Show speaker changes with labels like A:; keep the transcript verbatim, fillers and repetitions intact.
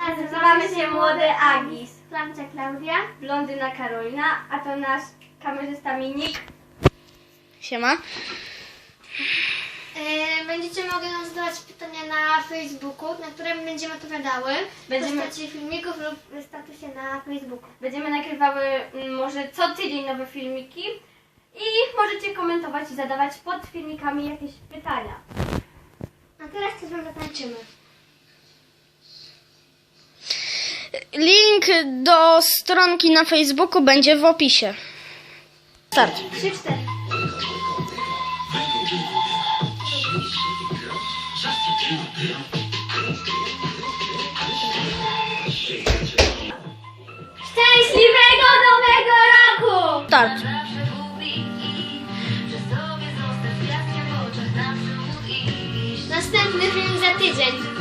A: Nazywamy się Młody Agis.
B: Klamcia Klaudia.
A: Blondyna Karolina, a to nasz kamerzysta Minik.
C: Siema.
B: Będziecie mogli nam zadawać pytania na Facebooku, na które będziemy odpowiadały.
A: Będziemy-
B: W postaci filmików lub w statusie na Facebooku.
A: Będziemy nagrywały mm, może co tydzień nowe filmiki i możecie komentować i zadawać pod filmikami jakieś pytania.
B: A teraz coś wam zatańczymy.
C: Link do stronki na Facebooku będzie w opisie. Start.
B: Trzy, cztery.
A: Szczęśliwego Nowego Roku!
C: Start.
B: Następny film za tydzień.